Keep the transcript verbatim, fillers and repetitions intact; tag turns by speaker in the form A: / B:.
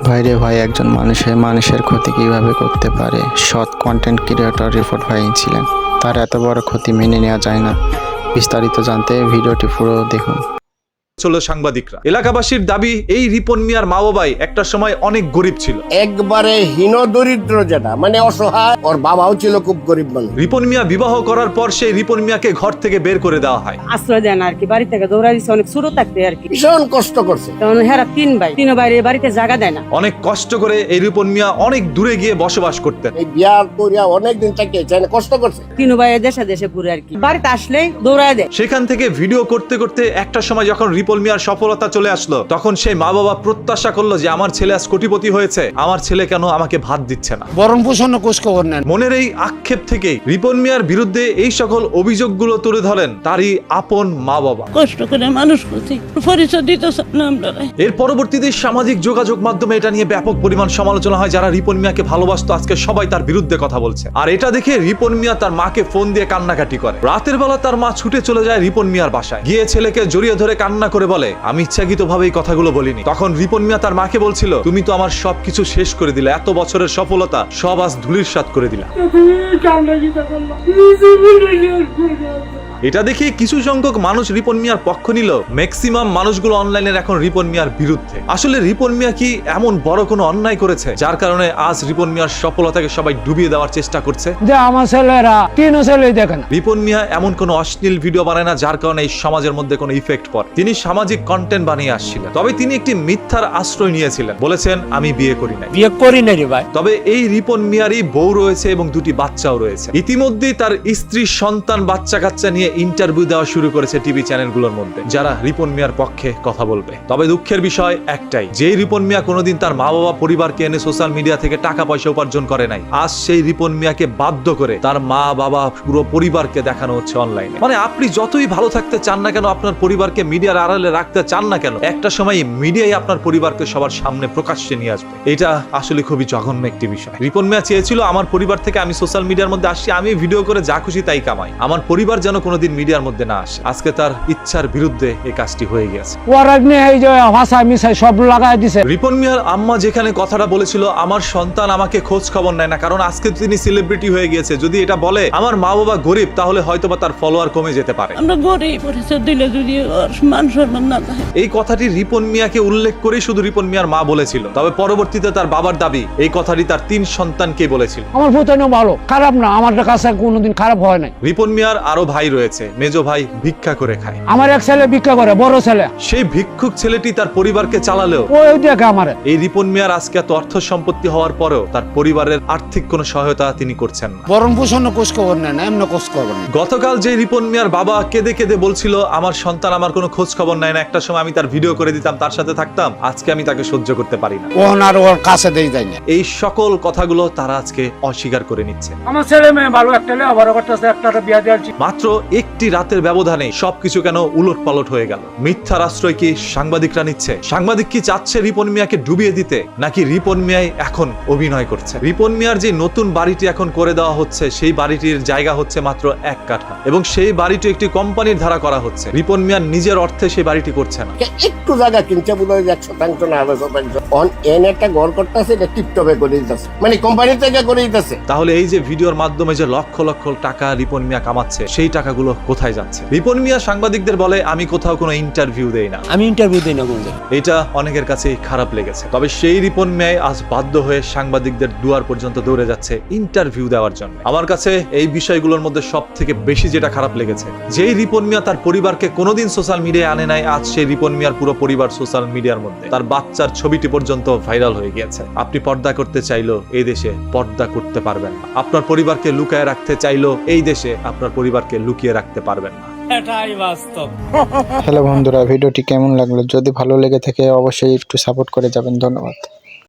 A: ভাইরে ভাই, একজন মানুষের মানুষের ক্ষতি কিভাবে করতে পারে? সৎ কন্টেন্ট ক্রিয়েটর রিপোর্ট ভাই ছিলেন, তার এত বড় ক্ষতি মেনে নেওয়া যায় না। বিস্তারিত জানতে ভিডিওটি পুরো দেখুন।
B: চলো সাংবাদিকরা, এলাকাবাসীর দাবি এই রিপন মিয়ার মা বাবাই একটা সময় অনেক গরিব ছিল,
C: একবারে হীন দরিদ্র, যেটা মানে অসহায়। ওর বাবাও ছিল খুব গরিব মানুষ।
B: রিপন মিয়া বিবাহ করার পর সেই রিপন মিয়াকে ঘর থেকে বের করে দেওয়া হয়।
D: আশ্রয় দেন আর কি, বাড়ি থেকে দৌড়া দিচ্ছে, অনেক ছোট থাকতে আর কি
C: ভীষণ কষ্ট করছে।
D: তখন হেরা তিন ভাই, তিন বাইরে বাড়িতে জায়গা দেয় না।
B: অনেক কষ্ট করে এই রিপন মিয়া অনেক দূরে গিয়ে বসবাস করতেন।
C: এই বিয়া করিয়া অনেকদিন থেকে কষ্ট করছে।
D: তিন ভাই দেশে দেশে পুরো আর কি, বাড়িতে আসলেই দৌড়ায় দেয়।
B: সেখান থেকে ভিডিও করতে করতে একটা সময় যখন রিপন মিয়ার সফলতা চলে আসলো, তখন সেই মা বাবা প্রত্যাশা করলো যে আমার ছেলে আজ কোটিপতি হয়েছে, আমার ছেলে কেন আমাকে ভাত দিচ্ছে না।
E: বরং পোষণ কোষ খবর নেন।
B: মনের এই আক্ষেপ থেকেই রিপন মিয়ার বিরুদ্ধে এই সকল অভিযোগগুলো তুলে ধরেন তারই আপন মা বাবা।
F: কষ্ট করে মানুষ করছি, পরিচয় দিতে আমরা।
B: এর পরবর্তীতে সামাজিক যোগাযোগ মাধ্যমে এটা নিয়ে ব্যাপক পরিমাণ সমালোচনা হয়। যারা রিপন মিয়াকে ভালোবাসতো আজকে সবাই তার বিরুদ্ধে কথা বলছে। আর এটা দেখে রিপন মিয়া তার মাকে ফোন দিয়ে কান্নাকাটি করে। রাতের বেলা তার মা ছুটে চলে যায় রিপন মিয়ার বাসায়, গিয়ে ছেলেকে জড়িয়ে ধরে কান্না করে বলে, আমি ইচ্ছাকৃতভাবে এই কথাগুলো বলিনি। তখন রিপন মিয়া তার মাকে বলছিল, তুমি তো আমার সবকিছু শেষ করে দিলে, এত বছরের সফলতা সব আজ ধুলির সাৎ করে দিলা। এটা দেখে কিছু সংখ্যক মানুষ রিপন মিয়ার পক্ষ নিল, ম্যাক্সিমাম মানুষগুলো অনলাইনের এখন রিপন মিয়ার বিরুদ্ধে। আসলে রিপন মিয়া কি এমন বড় কোনো অন্যায় করেছে যার কারণে আজ রিপন মিয়ার সফলতাকে সবাই ডুবিয়ে দেওয়ার চেষ্টা করছে?
E: যে আমার ছেলেরা তিন ছেলে দেখেন।
B: রিপন মিয়া এমন কোনো অশ্লীল ভিডিও বানায় না যার কারণে এই সমাজের মধ্যে কোনো ইফেক্ট পড়ে। তিনি সামাজিক কন্টেন্ট বানিয়ে আসছিলেন, তবে তিনি একটি মিথ্যার আশ্রয় নিয়েছিলেন। বলেছেন, আমি বিয়ে করি নাই।
E: বিয়ে করি নাই রে ভাই।
B: তবে এই রিপন মিয়ারই বউ রয়েছে এবং দুটি বাচ্চাও রয়েছে। ইতিমধ্যেই তার স্ত্রী, সন্তান, বাচ্চা কাচ্চা নিয়ে ইন্টারভিউ দেওয়া শুরু করেছে টিভি চ্যানেলগুলোর মধ্যে, যারা রিপন মিয়ার পক্ষে কথা বলবে। তবে দুঃখের বিষয় একটাই, যে রিপন মিয়া কোনোদিন তার মা বাবা পরিবারকে এনে সোশ্যাল মিডিয়া থেকে টাকা পয়সা উপার্জন করে নাই, আজ সেই রিপন মিয়াকে বাধ্য করে তার মা বাবা পুরো পরিবারকে দেখানো হচ্ছে অনলাইনে। মানে আপনি যতই ভালো থাকতে চান না কেন, আপনার পরিবারকে মিডিয়ার আড়ালে রাখতে চান না কেন, একটা সময় মিডিয়াই আপনার পরিবারকে সবার সামনে প্রকাশ্যে নিয়ে আসবে। এটা আসলে খুবই জঘন্য একটি বিষয়। রিপন মিয়া চেয়েছিল, আমার পরিবার থেকে আমি সোশ্যাল মিডিয়ার মধ্যে আসছি, আমি ভিডিও করে যা খুশি তাই কামাই, আমার পরিবার যেন কোনোদিন মিডিয়ার মধ্যে না আসে। আজকে তার ইচ্ছার বিরুদ্ধে এই কাজটি হয়ে গেছে।
E: সব লাগাই দিছে।
B: রিপন মিয়ার আম্মা যেখানে কথাটা বলেছিল, আমার সন্তান আমাকে খোঁজ খবর নেয় না, কারণ আজকে তিনি সেলিব্রিটি হয়ে গিয়েছে, যদি এটা বলে আমার মা বাবা গরিব, তাহলে হয়তোবা তার ফলোয়ার কমে যেতে পারে।
F: আমরা গরিব, পরিচয় দিলে যদি মান সম্মান না থাকে।
B: এই কথাটি রিপন মিয়াকে উল্লেখ করে শুধু রিপন মিয়ার মা বলেছিল, তবে পরবর্তীতে তার বাবার দাবি এই কথাটি তার তিন সন্তানকে বলেছিল।
E: আমার পুতানো ভালো, খারাপ না, আমার কাছে কোনোদিন খারাপ হয় নাই।
B: রিপন মিয়ার আরো ভাই রয়েছে, মেজো ভাই ভিক্ষা করে খায়।
E: আমার এক ছেলে ভিক্ষা করে, বড় ছেলে।
B: সেই ভিক্ষুক ছেলেটি তার পরিবারকে চালালেও
E: ওই দেখে আমার
B: এই রিপন মিয়ার আজকে এত অর্থ সম্পত্তি হওয়ার পরেও তার পরিবারের আর্থিক কোনো সহায়তা তিনি করছেন না।
E: বরং পোষণ কোষ খবর নেন, এমন কোষ খবর নেন।
B: গতকাল যে রিপন মিয়ার বাবা কেঁদে কেঁদে বলছিল, আমার সন্তান আমার কোনো খোঁজ খবর নেয় না, একটা সময় আমি তার ভিডিও করে দিতাম, তার সাথে থাকতাম, আজকে আমি তাকে সহ্য করতে পারি না,
E: ওনার ওর কাছে দেই যায় না।
B: এই সকল কথাগুলো তারা আজকে অস্বীকার করে নিচ্ছে।
E: আমার ছেলে মেয়ে ভালো, একটা আবার করতেছে, একটা বিয়ে দিয়েছি।
B: মাত্র একটি রাতের ব্যবধানে সবকিছু কেন উলট পালট হয়ে গেল? মিথ্যার আশ্রয় কি সাংবাদিকরা নিচ্ছে? সাংবাদিক কি চাচ্ছে রিপন মিয়াকে ডুবিয়ে দিতে, নাকি রিপন মিয়াই এখন অভিনয় করছে? রিপন মিয়ার যে নতুন বাড়িটি এখন করে দেওয়া হচ্ছে, সেই বাড়িটির জায়গা হচ্ছে মাত্র এক কাঠা, এবং সেই বাড়িটি একটি কোম্পানির ধারা করা হচ্ছে। রিপন মিয়ার নিজের অর্থে সেই বাড়িটি করছে না।
C: একটু জায়গা কিনছে বোধ হয় এক শতাংশ না হবে শতাংশ। অন এন একটা ঘর করতেছে, এটা টিপটপে করে দিতেছে, মানে কোম্পানি থেকে করে দিতেছে।
B: তাহলে এই যে ভিডিওর মাধ্যমে যে লক্ষ লক্ষ টাকা রিপন মিয়া কামাচ্ছে, সেই টাকাগুলো কোথায় যাচ্ছে? রিপন মিয়া সাংবাদিকদের বলে, আমি কোথাও কোনো ইন্টারভিউ দেই না,
E: আমি ইন্টারভিউ দেই না।
B: এটা অনেকের কাছে খারাপ লেগেছে। তবে সেই রিপন মিয়াই আজ বাধ্য হয়ে সাংবাদিকদের দুয়ার পর্যন্ত দৌড়ে যাচ্ছে ইন্টারভিউ দেওয়ার জন্য। আমার কাছে এই বিষয়গুলোর মধ্যে সব থেকে বেশি যেটা খারাপ লেগেছে, যেই রিপন মিয়া তার পরিবারকে কোনোদিন সোশ্যাল মিডিয়ায় আনে নাই, আজ সেই রিপন মিয়ার পুরো পরিবার সোশ্যাল মিডিয়ার মধ্যে, তার বাচ্চার ছবিটি পর্যন্ত ভাইরাল হয়ে গিয়েছে। আপনি পর্দা করতে চাইলেও এই দেশে পর্দা করতে পারবেন না, আপনার পরিবারকে লুকায় রাখতে চাইলেও এই দেশে আপনার পরিবারকে লুকিয়ে রাখতে পারবেন না।
E: এটাই বাস্তব।
A: হ্যালো বন্ধুরা, ভিডিওটি কেমন লাগলো? যদি ভালো লেগে থাকে অবশ্যই একটু সাপোর্ট করে যাবেন। ধন্যবাদ।